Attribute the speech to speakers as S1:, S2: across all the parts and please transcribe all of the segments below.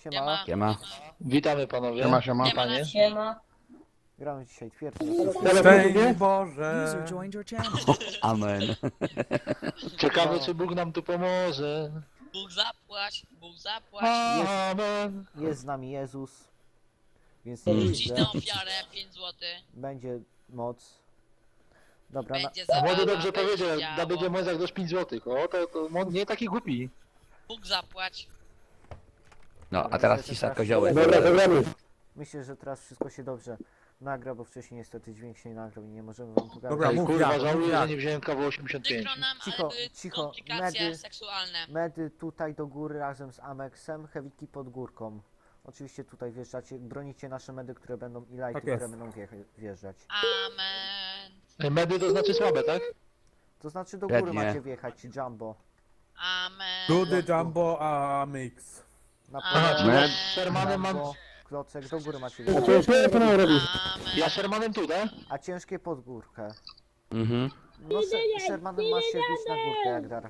S1: Siema.
S2: Siema.
S3: Witamy panowie.
S4: Siema, siema.
S3: Panie.
S5: Siema.
S1: Gramy dzisiaj twierdzę.
S4: Szczęść Boże!
S6: User joined your channel.
S2: Amen.
S3: Ciekawe czy Bóg nam tu pomoże.
S5: Bóg zapłać, Bóg zapłać.
S3: Amen.
S1: Jest z nami Jezus. Więc
S5: Wrócić
S1: nie
S5: na ofiarę 5 zł.
S1: będzie moc. Dobra,
S5: Będzie
S3: A młody
S5: zabawa,
S3: dobrze
S5: będzie
S3: powiedział,
S5: działo.
S3: da będzie moc jak dość 5 zł. O, to nie taki głupi.
S5: Bóg zapłać.
S2: No, a teraz cisza koziołek.
S1: myślę, że teraz wszystko się dobrze nagra, bo wcześniej niestety dźwięk się nie nagrał i nie możemy wam pokazać.
S4: Dobra,
S3: Ej,
S4: mów
S3: kurwa,
S4: jak, mów
S3: żałuję, że
S4: jak.
S3: nie wziąłem kawu 85.
S5: Przykro nam,
S1: Cicho,
S5: ale były
S1: cicho,
S5: komplikacje
S1: medy.
S5: seksualne.
S1: Medy tutaj do góry razem z Amexem, Heaviki pod górką. Oczywiście tutaj wjeżdżacie, bronicie nasze medy, które będą i lighty,
S4: Tak jest.
S1: które będą wjeżdżać.
S5: Amen.
S3: Medy to znaczy słabe, tak?
S1: To znaczy do góry
S2: Pewnie.
S1: macie wjechać, Jumbo.
S5: Amen.
S4: Dudy, Jumbo, a Mix.
S1: Na
S3: Aha, czyli
S1: pewno
S3: ja z Shermanem mam...
S1: Jumbo, klocek, do góry macie
S5: Amen.
S3: Ja Shermanem tu, tak?
S1: a ciężkie pod górkę.
S2: Mhm.
S1: No Shermanem masz się bić na górkę,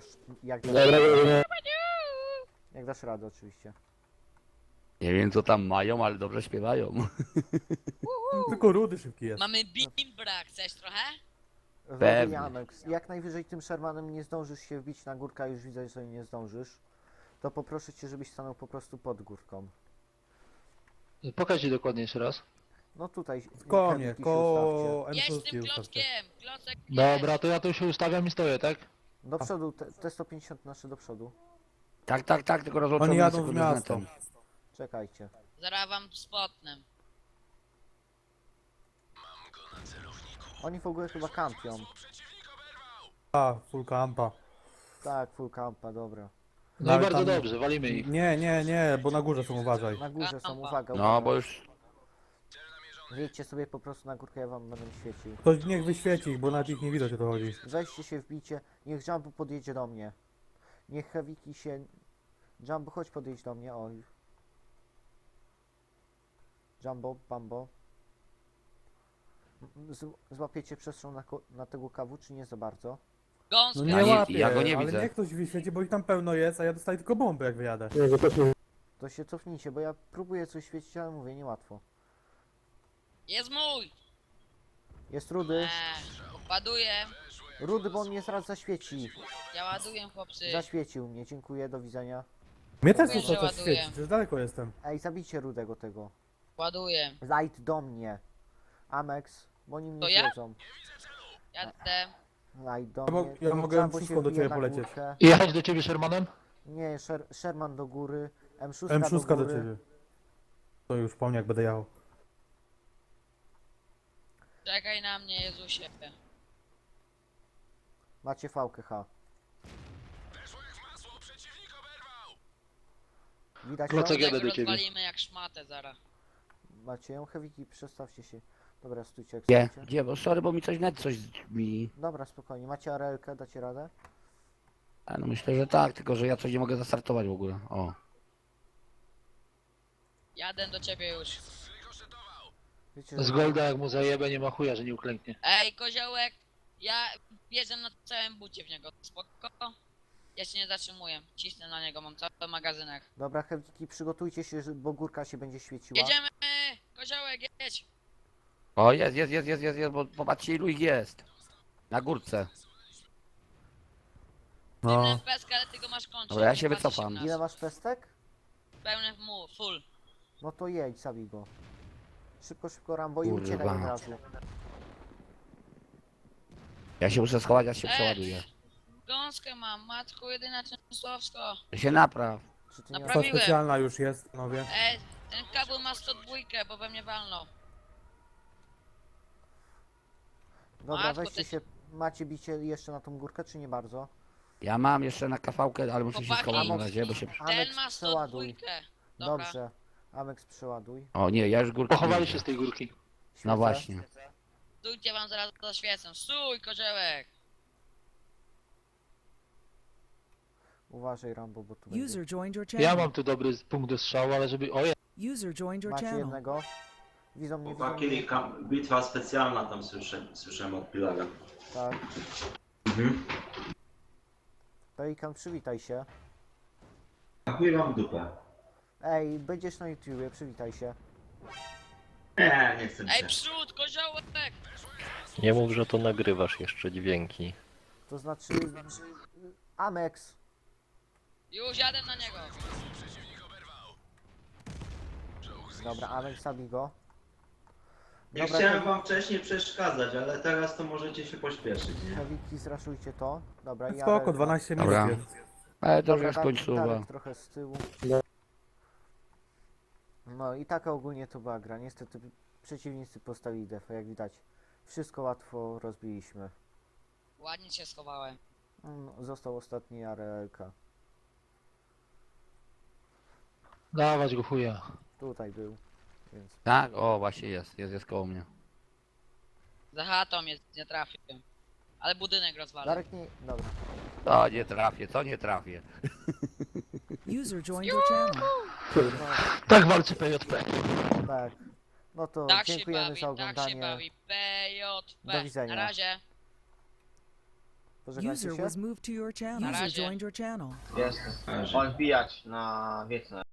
S1: jak dasz radę oczywiście.
S2: Nie wiem co tam mają, ale dobrze śpiewają.
S4: Tylko Rudy szybki jest.
S5: Mamy bimbra, chcesz trochę?
S2: Pewnie.
S1: Amex. Jak najwyżej tym Shermanem nie zdążysz się wbić na górkę, a już widzę, że nie zdążysz. To poproszę cię, żebyś stanął po prostu pod górką.
S3: Pokaż ci dokładnie jeszcze raz.
S1: No tutaj.
S4: Konie,
S1: Heaviki się
S4: ko
S5: Jest
S4: M+,
S5: tym
S4: ustawcie.
S5: klockiem. Klocek
S3: Dobra, to ja tu się ustawiam i stoję, tak?
S1: ustawcie. Do przodu, te 150 nasze do przodu.
S2: Tak, tylko rozłączamy
S4: Oni jadą w
S2: sekundę z
S4: miasto.
S2: netem.
S1: Czekajcie.
S5: Zaraz wam spotnę.
S1: Oni w ogóle chyba kampią.
S4: A, full campa.
S1: Tak, full campa, dobra.
S3: No i
S4: Ale
S3: bardzo
S4: tam-
S3: dobrze, walimy ich.
S4: Nie, bo na górze są, uważaj.
S1: Na górze są,
S5: Kampa.
S1: uwaga,
S2: No,
S1: uwaga.
S2: bo już...
S1: Wjedźcie sobie po prostu na górkę, ja wam będę świecił.
S4: Ktoś niech wyświeci ich, bo nawet ich nie widać, o to chodzi.
S1: Weźcie się, wbijcie. Niech Jumbo podjedzie do mnie. Niech Heaviki się... Jumbo, chodź podjedź do mnie, oj. Jumbo, Bambo. Złapiecie przestrzeń na tego kawu, czy nie za bardzo?
S5: Gąska.
S4: No nie
S2: Ja nie-
S4: łapię,
S2: ja go nie
S4: ale
S2: widzę.
S4: niech ktoś wyświeci, bo ich tam pełno jest, a ja dostaję tylko bombę jak wyjadę.
S1: To się cofnijcie, bo ja próbuję coś świecić, ale mówię, niełatwo.
S5: Jest mój.
S1: Jest Rudy.
S5: Ładuję.
S1: Rudy, bo on mnie zaraz zaświeci.
S5: Ja ładuję, chłopcy.
S1: Zaświecił mnie, dziękuję, do widzenia.
S4: Mnie też
S5: Mówię,
S4: muszą
S5: że
S4: coś
S5: ładuję.
S4: świecić, już daleko jestem.
S1: Ej, zabijcie Rudego tego.
S5: Ładuję.
S1: Light do mnie. Amex, bo oni mnie
S5: To ja?
S1: zjedzą.
S5: Jadę.
S1: Light do
S4: Ja
S1: mnie.
S4: ja mogę
S1: Jumbo się
S4: wszystko do
S1: wbije
S4: ciebie
S1: na
S4: polecieć.
S1: górkę.
S3: Jechać do ciebie Shermanem?
S1: Nie, Sherman do góry. M6,
S4: M6 do
S1: góry.
S4: ciebie. To już po mnie jak będę jechał.
S5: Czekaj na mnie, Jezusie.
S1: Macie VKH. Widać ją?
S3: Klocek jadę
S5: Tego
S3: do ciebie.
S5: rozwalimy jak szmatę zaraz.
S1: Macie ją? Heaviki, przestawcie się. Dobra, stójcie jak
S2: Gdzie?
S1: stoicie.
S2: Gdzie? Bo sorry, bo mi coś net coś mi...
S1: Dobra, spokojnie. Macie arelkę, dacie radę?
S2: A no myślę, że tak, tylko że ja coś nie mogę zastartować w ogóle. O.
S5: Jadę do ciebie już.
S1: Wiecie,
S3: Z Golda jak mu zajebę, nie ma chuja, że nie uklęknie.
S5: Ej, koziołek. Ja wjeżdżam na całym bucie w niego. Spoko? Ja się nie zatrzymuję. Cisnę na niego, mam cały magazynek.
S1: Dobra, Heaviki, przygotujcie się, bo górka się będzie świeciła.
S5: Jedziemy! Koziołek, jedź!
S2: O, jest, bo popatrzcie ilu ich jest. Na górce.
S4: No.
S5: Pełny peskę, ale ty go masz kończyć.
S2: Dobra, ja
S5: nie
S2: się
S5: patrzysz
S2: wycofam.
S5: na nas.
S1: Ile masz pestek?
S5: Pełny full.
S1: No to jedź, zabij go. Szybko, szybko, Rambo i uciekaj
S2: Kurwa.
S1: od razu.
S2: Ja się muszę schować, ja się
S5: Ej.
S2: przeładuję.
S5: Gąskę mam, matko jedyna Częstochowsko.
S2: Się napraw.
S1: Czy ty nie
S5: Naprawi-
S4: To
S5: Prawiłem.
S4: specjalna już jest, panowie.
S5: Ej, ten kabel ma 102, bo we mnie walnął.
S1: Dobra,
S5: Matko,
S1: weźcie
S5: ty-
S1: się. Macie bicie jeszcze na tą górkę, czy nie bardzo?
S2: Ja mam jeszcze na kawałkę, ale muszę się
S5: Chłopaki.
S2: schować na razie, bo się...
S5: Ten
S1: Amex,
S5: ma 102.
S1: przeładuj.
S5: Dobra.
S1: Dobrze. Amex, przeładuj.
S2: O nie, ja już górkę
S3: Pochowali
S2: nie
S3: się
S2: widzę.
S3: z tej górki.
S2: No
S1: Świecę.
S2: właśnie.
S5: Stójcie, wam zaraz zaświecę. Stój, koziołek!
S1: Uważaj, Rambo, bo tu będzie.
S6: User joined your
S3: Ja
S6: channel.
S3: mam tu dobry punkt do strzału, ale żeby... O,
S6: User joined your
S1: Macie
S6: channel.
S1: jednego. Widzą mnie, widzą
S7: Chłopaki,
S1: mnie.
S7: bitwa specjalna tam słyszałem od Pilaga.
S1: Tak.
S7: Mhm.
S1: Pelikan, przywitaj się.
S7: A chuj wam w dupę.
S1: Ej, będziesz na YouTubie, przywitaj się.
S7: Nie chcę mi
S5: Ej,
S7: się.
S5: przód, koziołek!
S6: Nie mów, że to nagrywasz jeszcze dźwięki.
S1: To znaczy... Amex.
S5: Już jadę na niego.
S1: Dobra, Amex, zabij go.
S7: Nie
S1: Dobra,
S7: chciałem
S1: to-
S7: wam wcześniej przeszkadzać, ale teraz to możecie się pośpieszyć, nie?
S1: Heaviki, zraszujcie to. Dobra, ja...
S4: Spoko, 12 minut
S2: Dobra.
S4: jest.
S2: Ale to już
S1: Dobra,
S2: jest końcowa.
S1: Darek trochę z tyłu. No i taka ogólnie to była gra. Niestety przeciwnicy postawili defa, jak widać. Wszystko łatwo rozbiliśmy.
S5: Ładnie się schowałem.
S1: Został ostatni Arelka.
S3: Dawać go chuja.
S1: Tutaj był, więc...
S2: Tak? O, właśnie jest koło mnie.
S5: Za chatą mnie nie trafię. Ale budynek rozwalę.
S1: Darek nie... Dobra.
S2: To nie trafię, to nie trafię.
S8: User joined your channel.
S1: No,
S3: Tak walczy PJP.
S1: tak. No to
S5: Tak się
S1: dziękujemy
S5: bawi,
S1: za
S5: tak się
S1: oglądanie.
S5: bawi. PJP.
S1: Do widzenia.
S5: Na razie.
S1: Pożegnajcie
S8: User
S1: się.
S8: was moved to your channel.
S5: Na
S8: User
S5: razie.
S8: joined your channel.
S9: Jest. Odbijać na wiecne.